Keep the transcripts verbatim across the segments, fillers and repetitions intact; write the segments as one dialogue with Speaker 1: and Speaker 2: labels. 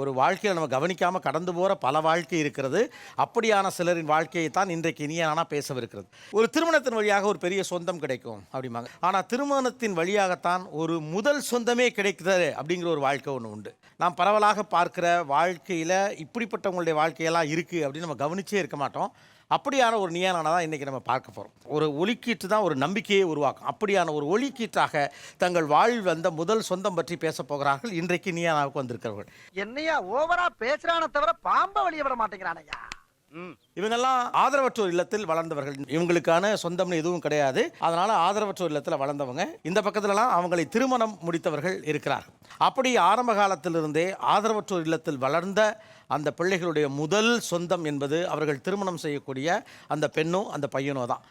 Speaker 1: ஒரு வாழ்க்கையில் நம்ம கவனிக்காமல் கடந்து போகிற பல வாழ்க்கை இருக்கிறது. அப்படியான சிலரின் வாழ்க்கையை தான் இன்றைக்கு இனியானா பேசவிருக்கிறது. ஒரு திருமணத்தின் வழியாக ஒரு பெரிய சொந்தம் கிடைக்கும் அப்படிம்பாங்க. ஆனால் திருமணத்தின் வழியாகத்தான் ஒரு முதல் சொந்தமே கிடைக்குது அப்படிங்கிற ஒரு வாழ்க்கை ஒன்று உண்டு. நாம் பரவலாக பார்க்கிற வாழ்க்கையில் இப்படிப்பட்டவங்களுடைய வாழ்க்கையெல்லாம் இருக்குது அப்படின்னு நம்ம கவனிச்சே இருக்க மாட்டோம். அப்படியான ஒரு நியானான தான் இன்றைக்கி நம்ம பார்க்க போகிறோம். ஒரு ஒலிக்கீற்று தான் ஒரு நம்பிக்கையை உருவாக்கும். அப்படியான ஒரு ஒலிக்கீற்றாக தங்கள் வாழ்வில் வந்த முதல் சொந்தம் பற்றி பேச போகிறார்கள் இன்றைக்கு நியானாவுக்கு வந்திருக்கிறவர்கள்.
Speaker 2: என்னையா ஓவரா பேசுறானே தவிர பாம்ப வெளியே விட மாட்டேங்கிறானையா.
Speaker 1: இவங்கெல்லாம் ஆதரவற்றோர் இல்லத்தில் வளர்ந்தவர்கள். இவங்களுக்கான சொந்தம்னு எதுவும் கிடையாது. அதனால ஆதரவற்றோர் இல்லத்தில் வளர்ந்தவங்க. இந்த பக்கத்துலலாம் அவங்களை திருமணம் முடித்தவர்கள் இருக்கிறார். அப்படி ஆரம்ப காலத்திலிருந்தே ஆதரவற்றோர் இல்லத்தில் வளர்ந்த அந்த பிள்ளைகளுடைய முதல் சொந்தம் என்பது அவர்கள் திருமணம் செய்யக்கூடிய அந்த பெண்ணோ அந்த பையனோ தான்.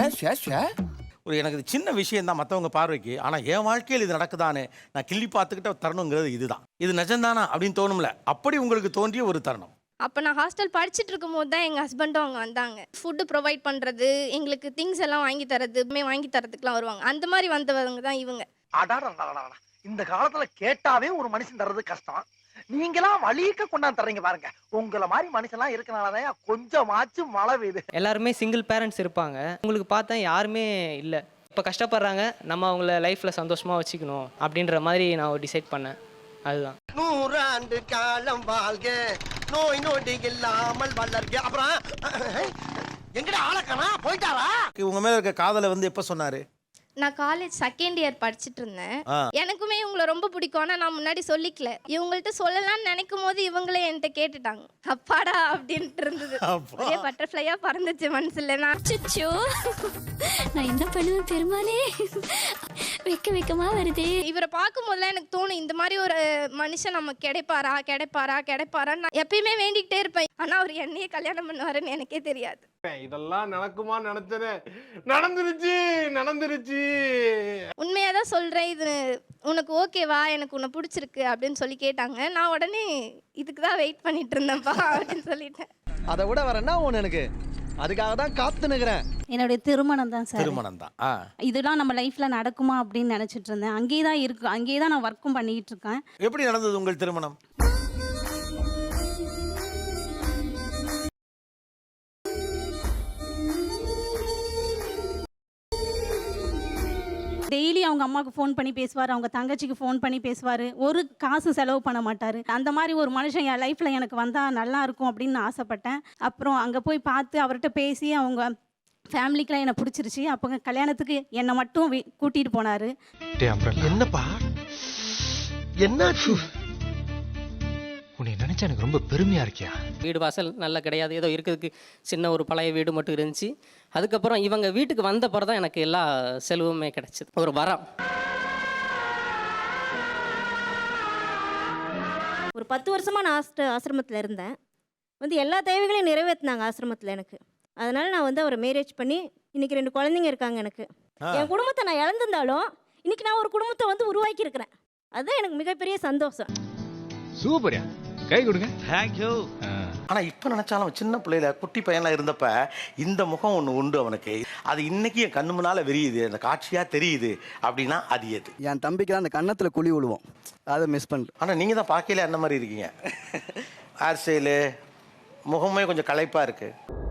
Speaker 1: ஒரு எனக்கு சின்ன விஷயம் தான் மற்றவங்க பார்வைக்கு. ஆனால் என் வாழ்க்கையில் இது நடக்குதானே நான் கிள்ளி பார்த்துக்கிட்ட தருணங்கிறது இதுதான். இது நிஜம்தானா அப்படின்னு தோணும்ல, அப்படி உங்களுக்கு தோன்றிய ஒரு தருணம்.
Speaker 3: அப்போ நான் ஹாஸ்டல் படிச்சுட்டு இருக்கும் போது தான் எங்கள் ஹஸ்பண்டும் அவங்க வந்தாங்க. ஃபுட்டு ப்ரொவைட் பண்ணுறது, எங்களுக்கு திங்ஸ் எல்லாம் வாங்கி தரது, வாங்கி தரதுக்குலாம் வருவாங்க. அந்த மாதிரி வந்தவங்க தான் இவங்க.
Speaker 2: இந்த காலத்துல கேட்டாவே ஒரு மனுஷன் தர்றது கஷ்டம். நீங்களாம் வலிக்க கொண்டாந்து தர்றீங்க பாருங்க. உங்களை மாதிரி மனுஷன்லாம் இருக்கனாலதான் கொஞ்சமாச்சும் மழை பெய்யுது.
Speaker 4: எல்லாருமே சிங்கிள் பேரண்ட்ஸ் இருப்பாங்க. உங்களுக்கு பார்த்தா யாருமே இல்லை. இப்போ கஷ்டப்படுறாங்க, நம்ம அவங்கள லைஃப்பில் சந்தோஷமாக வச்சுக்கணும் அப்படின்ற மாதிரி நான் டிசைட் பண்ணேன். அதுதான்.
Speaker 2: நூறாண்டு காலம் வாழ்க, நோய் நொடி இல்லாமல் வளர்க. அப்புறம் எங்கடா ஆளக்கானா போயிட்டாரா?
Speaker 1: உங்க மேல இருக்க காதலை வந்து எப்ப சொன்னாரு?
Speaker 3: நான் காலேஜ் செகண்ட் இயர் படிச்சுட்டு இருந்தேன். எனக்குமே இவங்களை ரொம்ப பிடிக்கும். ஆனால் நான் முன்னாடி சொல்லிக்கல. இவங்கள்ட்ட சொல்லலாம்னு நினைக்கும் போது இவங்களே என்கிட்ட கேட்டுட்டாங்க. அப்பாடா அப்படின்ட்டு இருந்தது. ஒரே பட்டர்ஃப்ளையா பறந்துச்சு மனசுல. நான்
Speaker 5: அச்சோ நான் என்ன பண்ணுவேன் பெருமாளே, வெக்க வெக்கமா வருது.
Speaker 3: இவரை பார்க்கும் போதுலாம் எனக்கு தோணும், இந்த மாதிரி ஒரு மனுஷன் நம்ம கிடைப்பாரா கிடைப்பாரா கிடைப்பாரான்னு நான் எப்பயுமே வேண்டிக்கிட்டே இருப்பேன். ஆனால் அவர் என்னையே கல்யாணம் பண்ணுவாருன்னு எனக்கே தெரியாது.
Speaker 6: இதெல்லாம் நடக்குமா நினைச்சது நடந்துருச்சு நடந்துருச்சு.
Speaker 3: உண்மையாதான் சொல்றேன். இது உனக்கு ஓகேவா, எனக்கு உன்னை பிடிச்சிருக்கு அப்படின்னு சொல்லி கேட்டாங்க. நான் உடனே இதுக்கு தான் வெயிட் பண்ணிட்டு இருந்தேன்ப்பா அப்படின்னு சொல்லிட்டேன்.
Speaker 2: அதை விட வரேன்னா ஒன்று எனக்கு அதுக்காக தான் காத்து நிக்கிறேன்.
Speaker 7: என்னுடைய திருமணம் தான் சார்.
Speaker 1: திருமணம் தான்.
Speaker 7: இதெல்லாம் நம்ம லைஃப்ல நடக்குமா அப்படின்னு நினைச்சிட்டு இருந்தேன். அங்கேயே தான் இருக்கு, அங்கேயே தான் நான் ஒர்க்கும் பண்ணிட்டு இருக்கேன்.
Speaker 1: எப்படி நடந்தது உங்கள் திருமணம்?
Speaker 7: டெய்லி அவங்க அம்மாவுக்கு ஃபோன் பண்ணி பேசுவார், அவங்க தங்கச்சிக்கு ஃபோன் பண்ணி பேசுவார். ஒரு காசு செலவு பண்ண மாட்டார். அந்த மாதிரி ஒரு மனுஷன் என் லைஃப்பில் எனக்கு வந்தால் நல்லா இருக்கும் அப்படின்னு நான் ஆசைப்பட்டேன். அப்புறம் அங்கே போய் பார்த்து அவர்கிட்ட பேசி அவங்க ஃபேமிலிக்கெலாம் என்னை பிடிச்சிருச்சு. அப்போ கல்யாணத்துக்கு என்னை மட்டும் கூட்டிகிட்டு போனார்.
Speaker 2: என்னப்பா என்னாச்சு?
Speaker 8: உன்னை நினைச்சா எனக்கு ரொம்ப பெருமையா இருக்கியா?
Speaker 4: வீடு வாசல் நல்லா கிடையாது, ஏதோ இருக்கிறதுக்கு சின்ன ஒரு பழைய வீடு மட்டும் இருந்துச்சு. அதுக்கப்புறம் இவங்க வீட்டுக்கு வந்த பிறகு தான் எனக்கு எல்லா செலவுமே கிடைச்சிது. ஒரு வரம்.
Speaker 9: ஒரு பத்து வருஷமாக நான் ஆஸ்ட ஆசிரமத்தில் இருந்தேன். வந்து எல்லா தேவைகளையும் நிறைவேற்றினாங்க ஆசிரமத்தில் எனக்கு. அதனால் நான் வந்து அவரை மேரேஜ் பண்ணி இன்றைக்கி ரெண்டு குழந்தைங்க இருக்காங்க எனக்கு. என் குடும்பத்தை நான் இழந்திருந்தாலும் இன்றைக்கி நான் ஒரு குடும்பத்தை வந்து உருவாக்கியிருக்கிறேன். அதுதான் எனக்கு மிகப்பெரிய சந்தோஷம்.
Speaker 8: சூப்பர்யா, கை கொடுங்க.
Speaker 1: தேங்க்யூ. ஆனா இப்ப நினைச்சாலும் சின்ன பிள்ளையில குட்டி பையனா இருந்தப்ப இந்த முகம் ஒண்ணு உண்டு அவனுக்கு. அது இன்னைக்கு என் கண்ணு முன்னால விரியுது, அந்த காட்சியா தெரியுது. அப்படின்னா அது எது?
Speaker 2: என் தம்பிக்கு தான் அந்த கன்னத்துல குழி விழுவோம், அதை மிஸ் பண்ணல.
Speaker 1: ஆனா நீங்க தான் பார்க்கல அந்த மாதிரி இருக்கீங்க. ஹேர் ஸ்டைலு, முகமே கொஞ்சம் களைப்பா இருக்கு.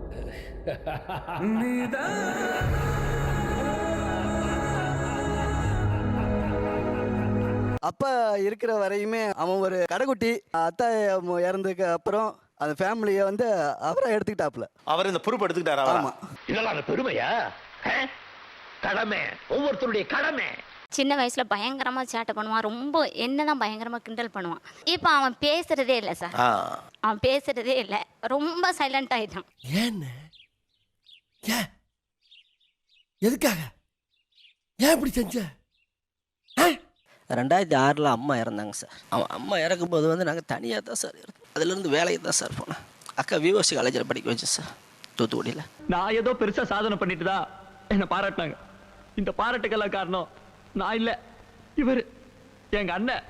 Speaker 2: அப்பா இருக்கிற வரையுமே அவன் ஒரு கடைக்குட்டி. அத்தா இறந்ததுக்கு அப்புறம் அந்த ஃபேமிலியை வந்து அவரை எடுத்துக்கிட்டாப்புல.
Speaker 1: அவர் இந்த பொறுப்பு எடுத்துக்கிட்டாரா?
Speaker 2: ஆமா.
Speaker 10: இதெல்லாம் பெருமையா? கடமை, ஒவ்வொருத்தருடைய கடமை.
Speaker 5: சின்ன வயசுல பயங்கரமா சேட்டை பண்ணுவான். ரொம்ப என்னதான் பயங்கரமா கிண்டல் பண்ணுவான். இப்போ அவன் பேசுறதே இல்லை சார். அவன் பேசுறதே இல்லை, ரொம்ப சைலண்ட் ஆயிட்டான்.
Speaker 2: ஏன்னு? ஏன்? எதுக்காக? ஏன் இப்படி செஞ்ச?
Speaker 11: ரெண்டாயிரத்தி ஆறில் அம்மா இறந்தாங்க சார். அவன் அம்மா இறக்கும்போது வந்து நாங்கள் தனியாக தான் சார் இருந்தோம். அதுலேருந்து வேலைக்கு தான் சார் போனேன். அக்கா விஓசி காலேஜில் படிக்க வச்சேன் சார், தூத்துக்குடியில்.
Speaker 4: நான் ஏதோ பெருசாக சாதனை பண்ணிட்டு தான் என்னை பாராட்டினாங்க. இந்த பாராட்டுக்கெல்லாம் காரணம் நான் இல்லை, இவர் எங்கள் அண்ணன்.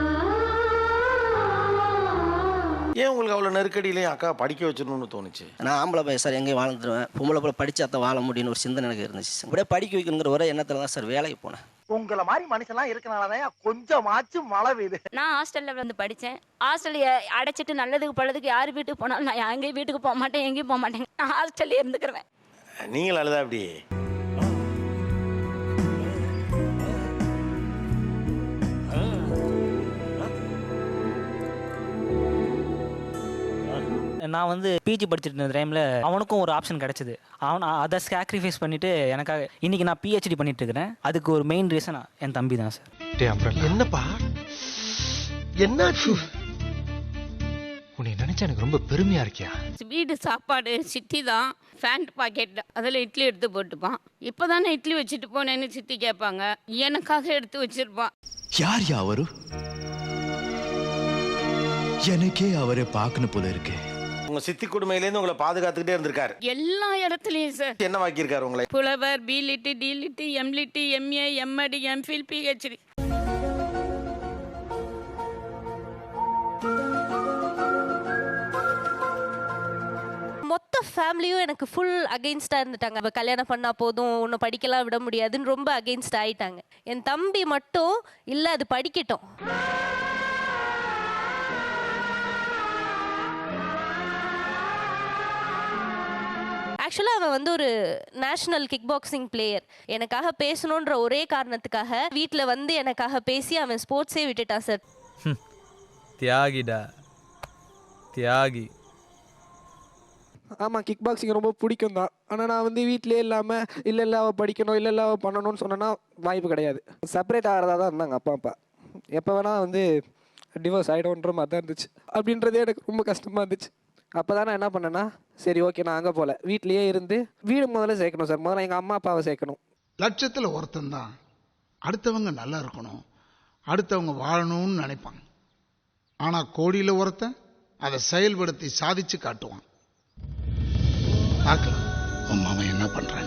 Speaker 1: ஏன் உங்களுக்கு அவ்வளோ நெருக்கடியிலையும் அக்கா படிக்க வச்சிடணும்னு தோணுச்சு?
Speaker 11: நான் ஆம்பளை பையன் சார், எங்கேயும் வாழ்ந்துருவேன். பொம்பளை போல படித்தா தான் வாழ முடியும்னு ஒரு சிந்தனை எனக்கு இருந்துச்சு சார். அப்படியே படிக்க வைக்கணுங்கிற ஒரே எண்ணத்தில் தான் சார் வேலைக்கு போனேன்.
Speaker 2: உங்களை மாதிரி மனுஷன்லாம் இருக்கனாலதான் கொஞ்சமாச்சும் மழை பெய்யுது.
Speaker 5: நான் ஹாஸ்டலில் வந்து படித்தேன். ஹாஸ்டலில் அடைச்சிட்டு நல்லதுக்கு பழதுக்கு யார் வீட்டுக்கு போனாலும் நான் எங்கேயும் வீட்டுக்கு போக மாட்டேன், எங்கேயும் போக மாட்டேன். நான் ஹாஸ்டல்லே இருந்துக்கிறேன்.
Speaker 1: நீங்கள் அழுதா அப்படி
Speaker 12: நான் வந்து பிஜி படிச்சுட்டு இருந்த டைமில் அவனுக்கும் ஒரு ஆப்ஷன் கிடச்சிது. அவன் அதை சாக்ரிஃபைஸ் பண்ணிவிட்டு எனக்காக இன்றைக்கி நான் பிஹெச்டி பண்ணிட்டு இருக்கிறேன். அதுக்கு ஒரு மெயின் ரீசன் என் தம்பி தான் சார்.
Speaker 10: என்னப்பா என்னாச்சு?
Speaker 8: உன்னை நினைச்சா எனக்கு ரொம்ப பெருமையா இருக்கியா?
Speaker 5: வீடு சாப்பாடு சித்தி தான் ஃபேண்ட் பாக்கெட் அதில் இட்லி எடுத்து போட்டுப்பான். இப்போ தானே இட்லி வச்சுட்டு போனேன்னு சித்தி கேட்பாங்க. எனக்காக எடுத்து வச்சிருப்பான்.
Speaker 8: யார் யா அவரு? எனக்கே அவரை பார்க்கணும் போல இருக்கு.
Speaker 1: உங்க சித்தி கொடுமையிலேருந்து உங்களை பாதுகாத்துக்கிட்டே இருந்திருக்காரு
Speaker 5: எல்லா இடத்துலையும் சார்.
Speaker 1: என்ன வாக்கியிருக்காரு உங்களை?
Speaker 5: புலவர், B Litt, D Litt, M Litt, M A, M Ed, M Phil, PhD.
Speaker 3: மொத்த ஃபேமிலியும் எனக்கு ஃபுல் அகெயின்ஸ்டாக இருந்துட்டாங்க. அவள் கல்யாணம் பண்ணால் போதும், உன்னை படிக்கலாம் விட முடியாதுன்னு ரொம்ப அகெயின்ஸ்ட் ஆகிட்டாங்க. என் தம்பி மட்டும் இல்லை, அது படிக்கட்டும். ஆக்சுவலாக அவன் வந்து ஒரு நேஷ்னல் கிக் பாக்ஸிங் பிளேயர். எனக்காக பேசணுன்ற ஒரே காரணத்துக்காக வீட்டில் வந்து எனக்காக பேசி அவன் ஸ்போர்ட்ஸே விட்டுட்டான் சார்.
Speaker 13: தியாகிடா தியாகி.
Speaker 14: ஆமாம், கிக் பாக்ஸிங் ரொம்ப பிடிக்கும் தான். ஆனால் நான் வந்து வீட்டிலே இல்லாமல் இல்லை இல்லை அவள் படிக்கணும், இல்லை இல்லை அவள் பண்ணணும்னு சொன்னேன்னா வாய்ப்பு கிடையாது. செப்பரேட் ஆகிறதா தான் இருந்தாங்க அப்பா அப்பா. எப்போ வேணால் வந்து டிவோர்ஸ் ஆகிடும்ன்ற மாதிரி தான் இருந்துச்சு. அப்படின்றதே எனக்கு ரொம்ப கஷ்டமாக இருந்துச்சு. அப்போ தான் நான் என்ன பண்ணேன்னா, சரி ஓகே நான் அங்கே போகல, வீட்லேயே இருந்து வீடு முதல்ல சேர்க்கணும் சார். முதல்ல எங்கள் அம்மா அப்பாவை சேர்க்கணும்.
Speaker 15: லட்சத்தில் ஒருத்தன் தான் அடுத்தவங்க நல்லா இருக்கணும், அடுத்தவங்க வாழணும்னு நினைப்பாங்க. ஆனால் கோடியில் ஒருத்தன் அதை செயல்படுத்தி சாதிச்சு காட்டுவான். பார்க்கலாம் உன் மாமா என்ன பண்ணுறாங்க.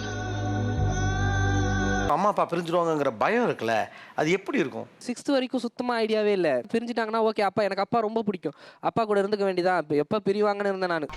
Speaker 1: அம்மா அப்பா பிரிஞ்சிருவாங்கங்கிற பயம் இருக்குல்ல, அது எப்படி இருக்கும்?
Speaker 14: சிக்ஸ்த்து வரைக்கும் சுத்தமாக ஐடியாவே இல்லை. பிரிஞ்சுட்டாங்கன்னா ஓகே, அப்பா எனக்கு அப்பா ரொம்ப பிடிக்கும், அப்பா கூட இருந்துக்க வேண்டியதான். இப்போ எப்போ பிரிவாங்கன்னு இருந்தேன் நான்.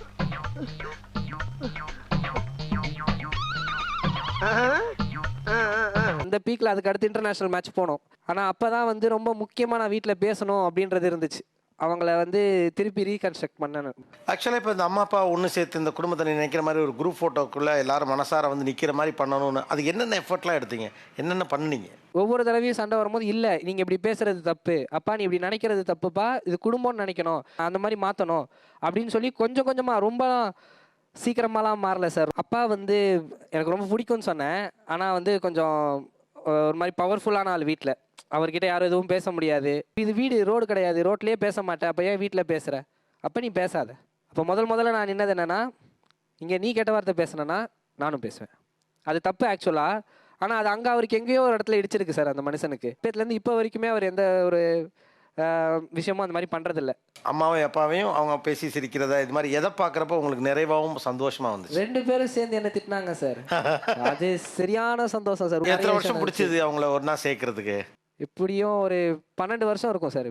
Speaker 14: அந்த பீக்கில் அதுக்கு அடுத்து இன்டர்நேஷ்னல் மேட்ச் போனோம். ஆனால் அப்போ தான் வந்து ரொம்ப முக்கியமாக நான் வீட்டில் பேசணும் அப்படின்றது இருந்துச்சு. அவங்கள வந்து திருப்பி ரீகன்ஸ்ட்ரக்ட் பண்ணேன்.
Speaker 1: ஆக்சுவலாக இப்போ இந்த அம்மா அப்பா ஒன்று சேர்த்து இந்த குடும்பத்தை நினைக்கிற மாதிரி ஒரு குரூப் ஃபோட்டோக்குள்ளே எல்லாரும் மனசார வந்து நிற்கிற மாதிரி பண்ணணும்னு, அது என்னென்ன எஃபர்ட்லாம் எடுத்தீங்க, என்னென்ன பண்ணுனீங்க?
Speaker 14: ஒவ்வொரு தடவையும் சண்டை வரும்போது, இல்லை நீங்கள் இப்படி பேசுறது தப்பு, அப்பா நீ இப்படி நினைக்கிறது தப்புப்பா, இது குடும்பம்னு நினைக்கணும், அந்த மாதிரி மாற்றணும் அப்படின்னு சொல்லி கொஞ்சம் கொஞ்சமாக, ரொம்ப சீக்கிரமாலாம் மாறல சார். அப்பா வந்து எனக்கு ரொம்ப பிடிக்கும்னு சொன்னேன். ஆனால் வந்து கொஞ்சம் ஒரு மாதிரி பவர்ஃபுல்லான ஆள் வீட்டில். அவர்கிட்ட யாரும் எதுவும் பேச முடியாது. இது வீடு, ரோடு கிடையாது, ரோட்லேயே பேச மாட்டேன். அப்போ ஏன் வீட்டில் பேசுகிற? அப்போ நீ பேசாத. அப்போ முதல் முதல்ல நான் நின்னது என்னென்னா, இங்கே நீ கெட்ட வார்த்தை பேசுனேன்னா நானும் பேசுவேன். அது தப்பு ஆக்சுவலாக. ஆனால் அது அங்கே அவருக்கு எங்கேயோ ஒரு இடத்துல இடிச்சிருக்கு சார் அந்த மனுஷனுக்கு. இப்போத்துலேருந்து இப்போ வரைக்குமே அவர் எந்த ஒரு விஷயமும் அந்த மாதிரி பண்ணுறதில்ல.
Speaker 1: அம்மாவும் அப்பாவையும் அவங்க பேசி சிரிக்கிறதா, இது மாதிரி எதை பார்க்குறப்ப உங்களுக்கு நிறைவாகவும் சந்தோஷமாக வந்துச்சு?
Speaker 14: ரெண்டு பேரும் சேர்ந்து என்ன திட்டினாங்க சார். அது சரியான சந்தோஷம் சார்.
Speaker 1: எத்தனை வருஷம் பிடிச்சது அவங்கள ஒன்றா சேர்க்கறதுக்கு?
Speaker 14: எப்படியும் ஒரு பன்னெண்டு வருஷம் இருக்கும் சார்.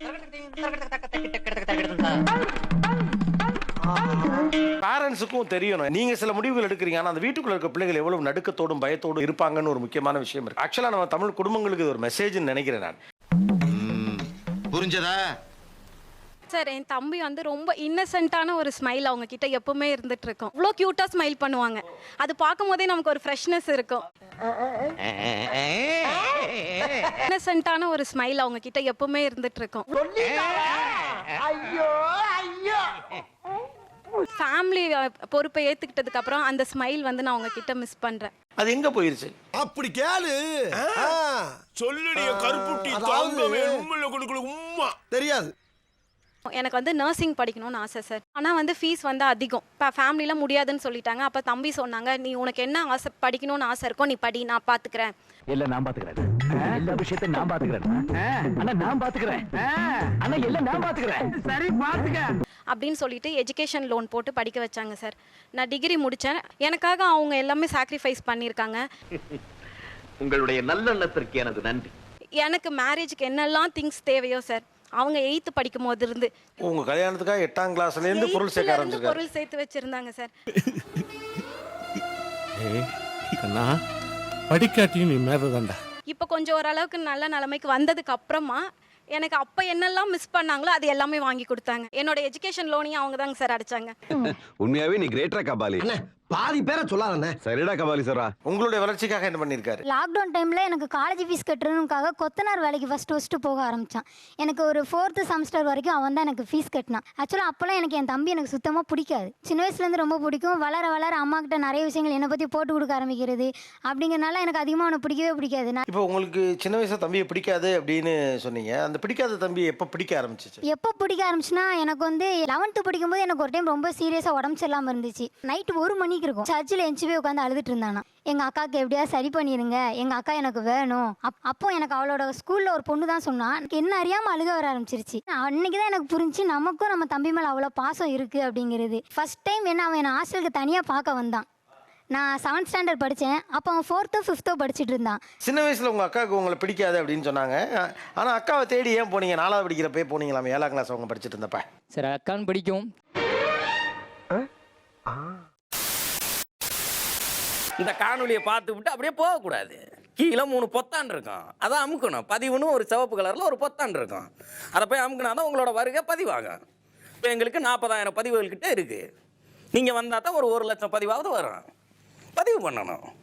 Speaker 1: பேரண்ட்ஸுக்கும் தெரியணும், நீங்க சில முடிவுகள் எடுக்கிறீங்க, ஆனால் அந்த வீட்டுக்குள்ள இருக்க பிள்ளைகள் எவ்வளவு நடுக்கத்தோடும் பயத்தோடும் இருப்பாங்கன்னு ஒரு முக்கியமான விஷயம் இருக்கு. ஆக்சுவலாக நம்ம தமிழ் குடும்பங்களுக்கு இது ஒரு மெசேஜ்னு நினைக்கிறேன் நான்.
Speaker 15: புரிஞ்சதா
Speaker 16: சார்? என் தம்பி வந்து ரொம்ப இன்னசென்ட்டான ஒரு ஸ்மைல் அவங்க கிட்ட எப்பவுமே இருந்துட்டு இருக்கும். அவ்வளோ க்யூட்டாக ஸ்மைல் பண்ணுவாங்க. அது பார்க்கும் போதே நமக்கு ஒரு ஃப்ரெஷ்னஸ் இருக்கும். இன்னசென்ட்டான ஒரு ஸ்மைல் அவங்க கிட்ட எப்பவுமே இருந்துட்டு இருக்கும். ஃபேமிலி பொறுப்பை ஏத்துக்கிட்டதுக்கு அப்புறம் அந்த ஸ்மைல் வந்து நான் அவங்க கிட்ட மிஸ் பண்றேன்.
Speaker 1: அது எங்க போயிருச்சு?
Speaker 10: அப்படி கேளு. சொல்லுடைய கருப்புட்டி தாங்கவே உம்மையில கொடுக்கல உம்மா தெரியாது.
Speaker 16: எனக்கு வந்து நர்சிங் படிக்கணும்னு ஆசை சார். ஆனால் வந்து ஃபீஸ் வந்து அதிகம். இப்போ ஃபேமிலியில் முடியாதுன்னு சொல்லிட்டாங்க. அப்போ தம்பி சொன்னாங்க, நீ உனக்கு என்ன ஆசை படிக்கணும்னு ஆசை இருக்கோ நீ படி, நான் பார்த்துக்கிறேன்.
Speaker 10: எல்லாம் நான் பாத்துக்கிறேன், எல்லா விஷயத்தையும் நான் பாத்துக்கிறேன், ஆனா நான் பாத்துக்கிறேன், ஆனா எல்லாம் நான் பாத்துக்கிறேன், சரி பாத்துக்க
Speaker 16: அப்படின்னு சொல்லிட்டு எஜுகேஷன் லோன் போட்டு படிக்க வச்சாங்க சார். நான் டிகிரி முடித்தேன். எனக்காக அவங்க எல்லாமே சாக்ரிஃபைஸ் பண்ணியிருக்காங்க.
Speaker 10: உங்களுடைய நல்லெண்ணத்திற்கு எனது நன்றி.
Speaker 16: எனக்கு மேரேஜுக்கு என்னெல்லாம் திங்ஸ் தேவையோ சார், அவங்க எயித்து படிக்கும் போது இருந்து
Speaker 1: உங்க கல்யாணத்துக்காக எட்டாம் கிளாஸ்ல இருந்து பொருள் சேர்க்க ஆரம்பிச்சிருக்காங்க.
Speaker 16: பொருள் சேர்த்து வச்சிருந்தாங்க சார்.
Speaker 6: ஏய் கண்ணா, படிக்காட்டியும் நீ மேததாண்டா.
Speaker 16: இப்போ கொஞ்சம் ஓரளவுக்கு நல்ல நிலைமைக்கு வந்ததுக்கு அப்புறமா எனக்கு அப்போ என்னெல்லாம் மிஸ் பண்ணாங்களோ அது எல்லாமே வாங்கி கொடுத்தாங்க. என்னோட எஜுகேஷன் லோனையும் அவங்க தாங்க சார் அடைச்சாங்க.
Speaker 17: உண்மையாவே நீ கிரேட்டரா கபாலி?
Speaker 2: பாதி பேரை சொல்லாதண்ணே.
Speaker 17: சரிடா கபாலி சாரா.
Speaker 1: உங்களுடைய வளர்ச்சிக்காக என்ன பண்ணியிருக்காரு?
Speaker 18: லாக்டவுன் டைமில் எனக்கு காலேஜ் ஃபீஸ் கட்டுறதுக்காக கொத்தனார் வேலைக்கு ஃபஸ்ட்டு ஃபஸ்ட்டு போக ஆரம்பித்தான். எனக்கு ஒரு ஃபோர்த்து செமஸ்டர் வரைக்கும் அவன் தான் எனக்கு ஃபீஸ் கட்டினான். ஆக்சுவலாக அப்போல்லாம் எனக்கு என் தம்பி எனக்கு சுத்தமாக பிடிக்காது. சின்ன வயசுலேருந்து ரொம்ப பிடிக்கும். வளர வளர அம்மா கிட்ட நிறைய விஷயங்கள் என்னை பற்றி போட்டு கொடுக்க ஆரம்பிக்கிறது அப்படிங்கிறனால எனக்கு அதிகமாக அவனை பிடிக்கவே பிடிக்காது. நான்
Speaker 1: இப்போ உங்களுக்கு சின்ன வயசுல தம்பியை பிடிக்காது அப்படின்னு சொன்னீங்க. அந்த பிடிக்காத தம்பி எப்போ பிடிக்க ஆரம்பிச்சிச்சு?
Speaker 18: எப்போ பிடிக்க ஆரம்பிச்சுன்னா எனக்கு வந்து லெவன்த்து படிக்கும்போது எனக்கு ஒரு டைம் ரொம்ப சீரியஸாக உடம்பு சரியில்லாமல் இருந்துச்சு. நைட்டு ஒரு மணிக்கு இருக்கும். சர்ச்சில் எஞ்சி போய் உட்காந்து அழுதுட்டு இருந்தானா. எங்கள் அக்காவுக்கு எப்படியா சரி பண்ணிடுங்க, எங்கள் அக்கா எனக்கு வேணும். அப் அப்போ எனக்கு அவளோட ஸ்கூலில் ஒரு பொண்ணு தான் சொன்னான். எனக்கு என்ன அறியாமல் அழுக வர ஆரம்பிச்சிருச்சு. அன்னைக்கு தான் எனக்கு புரிஞ்சு நமக்கும் நம்ம தம்பி மேலே அவ்வளோ பாசம் இருக்குது அப்படிங்கிறது. ஃபர்ஸ்ட் டைம் என்ன அவன் என்னை ஹாஸ்டலுக்கு தனியாக பார்க்க வந்தான். நான் செவன்த் ஸ்டாண்டர்ட் படித்தேன். அப்போ அவன் ஃபோர்த்தோ ஃபிஃப்த்தோ படிச்சுட்டு இருந்தான்.
Speaker 1: சின்ன வயசில் உங்கள் அக்காவுக்கு உங்களை பிடிக்காது அப்படின்னு சொன்னாங்க. ஆனால் அக்காவை தேடி ஏன் போனீங்க? நாலாவது படிக்கிறப்பே போனீங்களாமே, ஏழாம் கிளாஸ் அவங்க படிச்சுட்டு இருந்தப்ப.
Speaker 4: சரி, அக்கான்னு பிடிக்கும்.
Speaker 19: இந்த காணொலியை பார்த்து விட்டு அப்படியே போகக்கூடாது. கீழே மூணு பொத்தான் இருக்கும், அதை அமுக்கணும். பதிவுன்னு ஒரு சிவப்பு கலரில் ஒரு பொத்தான் இருக்கும், அதை போய் அமுக்கினா தான் உங்களோட வருகை பதிவாகும். இப்போ எங்களுக்கு நாற்பதாயிரம் பதிவுகள்கிட்ட இருக்குது. நீங்கள் வந்தால் தான் ஒரு ஒரு லட்சம் பதிவாவது வரும். பதிவு பண்ணணும்.